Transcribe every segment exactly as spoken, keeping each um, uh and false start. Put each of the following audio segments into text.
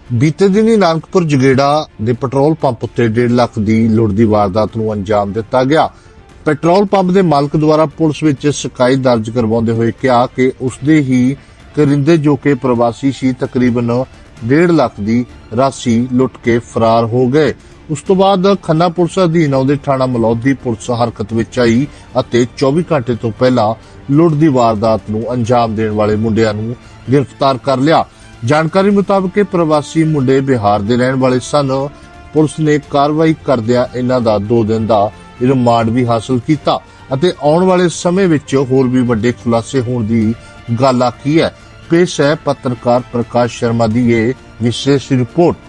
ਬੀਤੇ ਦਿਨੀ ਨਾਨਕਪੁਰ ਜਗੇੜਾ ਦੇ ਪੈਟਰੋਲ ਪੰਪ ਉੱਤੇ ਡੇਢ ਲੱਖ ਦੀ ਲੁੱਟ ਦੀ ਵਾਰਦਾਤ ਨੂੰ ਅੰਜਾਮ ਦਿੱਤਾ ਗਿਆ। ਪੈਟਰੋਲ ਪੰਪ ਦੇ ਮਾਲਕ ਦੁਆਰਾ ਪੁਲਿਸ ਵਿੱਚ ਸ਼ਿਕਾਇਤ ਦਰਜ ਕਰਵਾਉਂਦੇ ਹੋਏ ਕਿਹਾ ਕਿ ਉਸਦੇ ਹੀ ਕਰਿੰਦੇ ਜੋ ਕਿ ਪ੍ਰਵਾਸੀ ਸੀ ਤਕਰੀਬਨ ਡੇਢ ਲੱਖ ਦੀ ਰਾਸ਼ੀ ਲੁੱਟ ਕੇ ਫਰਾਰ ਹੋ ਗਏ। ਉਸ ਤੋਂ ਬਾਅਦ ਖੰਨਾ ਪੁਲਿਸ ਅਧੀਨ ਆਉਂਦੇ ਥਾਣਾ ਮਲੌਦ ਦੀ ਪੁਲਿਸ ਹਰਕਤ ਵਿੱਚ ਆਈ ਅਤੇ ਚੌਵੀ ਘੰਟੇ ਤੋਂ ਪਹਿਲਾਂ ਲੁੱਟ ਦੀ ਵਾਰਦਾਤ ਨੂੰ ਅੰਜਾਮ ਦੇਣ ਵਾਲੇ ਮੁੰਡਿਆਂ ਨੂੰ गिरफ्तार कर लिया। जानकारी मुताबिक प्रवासी मुंडे बिहार के रहने वाले सन। पुलिस ने कार्रवाई करदियां इन्हां दा दो दिन का रिमांड भी हासिल किया ਅਤੇ आने वाले समय विच होर भी वड्डे खुलासे होने की गल आखी है। पेश है पत्रकार प्रकाश शर्मा की ये विशेष रिपोर्ट।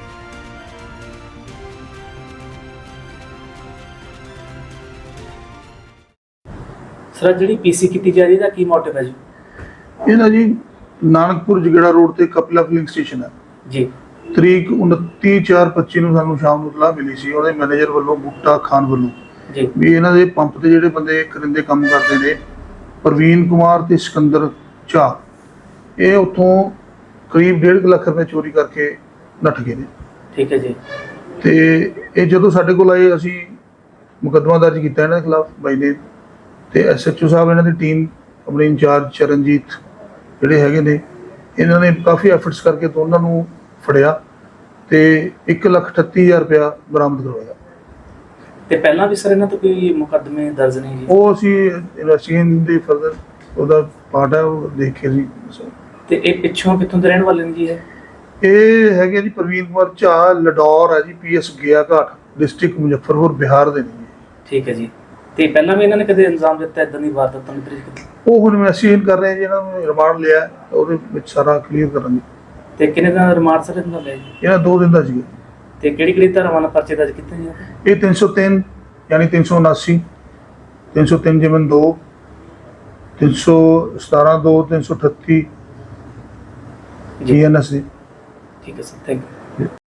सर जी पीसी की जा रही है की मोटिव है जी? ये ना जी नानकपुर जगेड़ा रोड ते कपिला फिलिंग स्टेशन है जी। तरीक उनतीस चार पच्ची ਨੂੰ ਸਾਨੂੰ ਸ਼ਾਮ ਨੂੰ ਇਤਲਾਹ ਮਿਲੀ ਸੀ ਉਹਦੇ ਮੈਨੇਜਰ ਵੱਲੋਂ ਬੂਟਾ ਖਾਨ ਵੱਲੋਂ ਜੀ ਵੀ ਇਹਨਾਂ ਦੇ ਪੰਪ ਤੇ ਜਿਹੜੇ ਬੰਦੇ ਕਰਿੰਦੇ ਕੰਮ ਕਰਦੇ ਨੇ ਪ੍ਰਵੀਨ ਕੁਮਾਰ ਤੇ ਸਿਕੰਦਰ ਝਾ ਇਹ ਉੱਥੋਂ ਕਰੀਬ ਡੇਢ ਲੱਖ ਰੁਪਏ ਚੋਰੀ ਕਰਕੇ ਨੱਠ ਗਏ ਨੇ। ਠੀਕ ਹੈ ਜੀ। ਤੇ ਇਹ ਜਦੋਂ ਸਾਡੇ ਕੋਲ ਆਏ ਅਸੀਂ ਮੁਕੱਦਮਾ ਦਰਜ ਕੀਤਾ ਇਹਨਾਂ ਦੇ ਖਿਲਾਫ ਬਾਈ ਨੇ ਤੇ ਐਸਐਚਓ ਸਾਹਿਬ ਇਹਨਾਂ ਦੀ ਟੀਮ ਆਪਣੇ ਇੰਚਾਰਜ ਚਰਨਜੀਤ ਜਿਹੜੇ ਹੈਗੇ ਨੇ ਇਹਨਾਂ ਨੇ ਕਾਫੀ ਐਫਰਟਸ ਕਰਕੇ ਦੋਨਾਂ ਨੂੰ ਫੜਿਆ ਤੇ ਇੱਕ ਲੱਖ ਅਠੱਤੀ ਹਜ਼ਾਰ ਰੁਪਇਆ ਬਰਾਮਦ ਕਰਵਾਇਆ। ਤੇ ਪਹਿਲਾਂ ਵੀ ਸਰ ਇਹਨਾਂ ਤੋਂ ਕੋਈ ਮੁਕੱਦਮੇ ਦਰਜ ਨਹੀਂ ਜੀ? ਉਹ ਅਸੀਂ ਇਨਵੈਸਟੀਗੇਸ਼ਨ ਦੇ ਫਰਦਰ ਉਹਦਾ ਪਾਰਟ ਹੈ ਉਹ ਦੇਖ ਕੇ ਜੀ। ਤੇ ਇਹ ਪਿੱਛੋਂ ਕਿੱਥੋਂ ਦੇ ਰਹਿਣ ਵਾਲੇ ਨੇ ਜੀ? ਇਹ ਇਹ ਹੈਗੇ ਜੀ ਪ੍ਰਵੀਨ ਕੁਮਾਰ ਝਾ ਲਡੌਰ ਹੈ ਜੀ ਪੀਐਸ ਗਿਆ ਘਾਟ ਡਿਸਟ੍ਰਿਕਟ ਮੁਜ਼ੱਫਰਪੁਰ ਬਿਹਾਰ ਦੇ ਨੇ। ਠੀਕ ਹੈ ਜੀ। ਤੇ ਪਹਿਲਾਂ ਵੀ ਇਹਨਾਂ ਨੇ ਕਦੇ ਇਲਜ਼ਾਮ ਦਿੱਤਾ ਇਦਾਂ ਦੀ ਵਾਰਦਾਤਾਂ ਨੂੰ? ਉਹ ਹੁਣ ਇਨਵੈਸਟੀਗੇਸ਼ਨ ਕਰ ਰਹੇ ਜੀ, ਇਹਨਾਂ ਨੂੰ ਰਿਮਾਂਡ ਲਿਆ ਉਹਦੇ ਵਿੱਚ ਸਾਰਾ ਕਲੀਅਰ ਕਰਾਂਗੇ। ਤੇ ਕਿੰਨੇ ਦਿਨ ਦਾ ਰਿਮਾਂਡ ਸਰ ਇਹਨਾਂ ਲਿਆ ਜੀ? ਇਹਨਾਂ ਦੋ ਦਿਨ ਦਾ ਸੀਗਾ। ਤੇ ਕਿਹੜੀ ਕਿਹੜੀ ਧਾਰਾਵਾਂ ਨਾਲ ਪਰਚੇ ਦਰਜ ਕੀਤੇ ਜੀ? ਇਹ ਤਿੰਨ ਸੌ ਤਿੰਨ ਯਾਨੀ ਤਿੰਨ ਸੌ ਉਨਾਸੀ ਤਿੰਨ ਸੌ ਤਿੰਨ ਜਿਮਨ ਦੋ ਤਿੰਨ ਸੌ ਸਤਾਰਾਂ ਦੋ ਤਿੰਨ ਸੌ ਅਠੱਤੀ ਜੀ ਐਨ ਐਸ ਦੀ। ਠੀਕ ਹੈ ਸਰ, ਥੈਂਕ ਯੂ।